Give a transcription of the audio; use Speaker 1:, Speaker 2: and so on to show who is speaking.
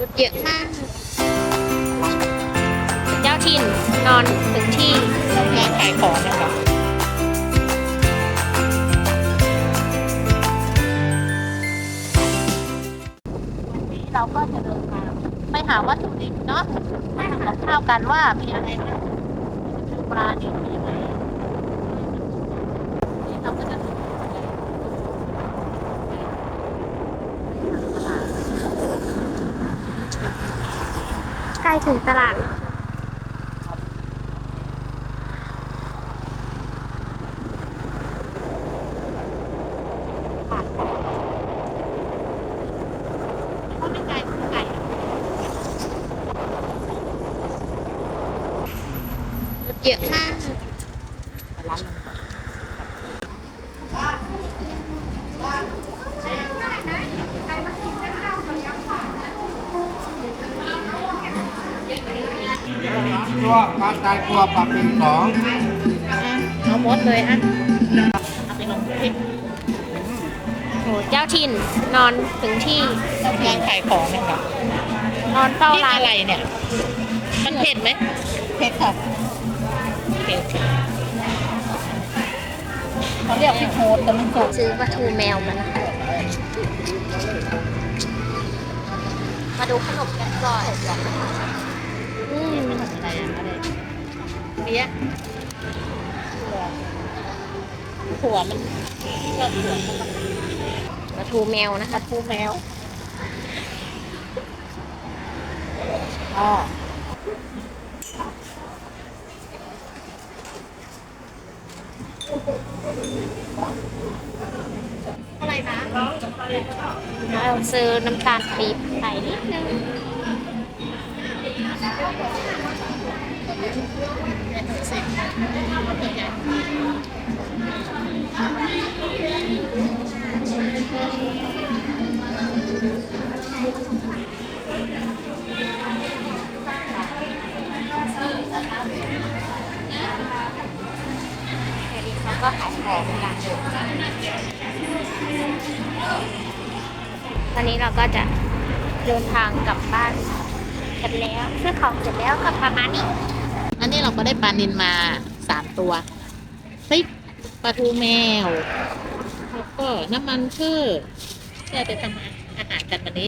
Speaker 1: รถเยอะมากเจ้าถิ่นนอนถึงที่
Speaker 2: ร้านขายของนะคะ
Speaker 1: วันนี้เราก็จะเดินทางไปหาวัตถุดิบเนาะมาทำกับข้าวกันว่ามีอะไรบ้างปลาเนี่ยมีอะไรนี่เราก็จะใกล้ถึงตลาดก็ไม่ไกลไม่ไกลรถเยอะมาก
Speaker 2: ร้าน
Speaker 3: ตัวปลาตายตัวปรับเป็นสอง
Speaker 1: เอาหมดเลยอ่ะเอาไปลงคลิปโหเจ้าถิ่นนอนถึงที่
Speaker 2: ร้านขายของนะคะ
Speaker 1: นอนเฝ้า
Speaker 2: พริก
Speaker 1: ร้าน
Speaker 2: อะไรเนี่ย มันเผ็ดไหมเผ็ดค่ะเผ็ดเขาเรียกพริกโฮดแต่มันสุก
Speaker 1: ซื้อปลาทูแมวมานะคะมาดูขนมกันก่อน
Speaker 2: อะไรอะอะไรเบี้ยถั่วมันชอบถั่วมัน
Speaker 1: ปลาทูแมวนะคะ
Speaker 2: ทูแมวอ๋อ
Speaker 1: อะไรนะเราซื้อน้ำตาลปี๊บใส่นิดนึงแค่นี้เขาก็ขายของกันตอนนี้เราก็จะเดินทางกลับบ้านกันแล้วซื้อของเสร็จแล้วก็ประมาณนี้
Speaker 2: อันนี้เราก็ได้ปลานิลมา3 ตัวพริกปลาทูแมวแล้วก็น้ำมันพืชที่เราจะทำอาหารกันวันนี้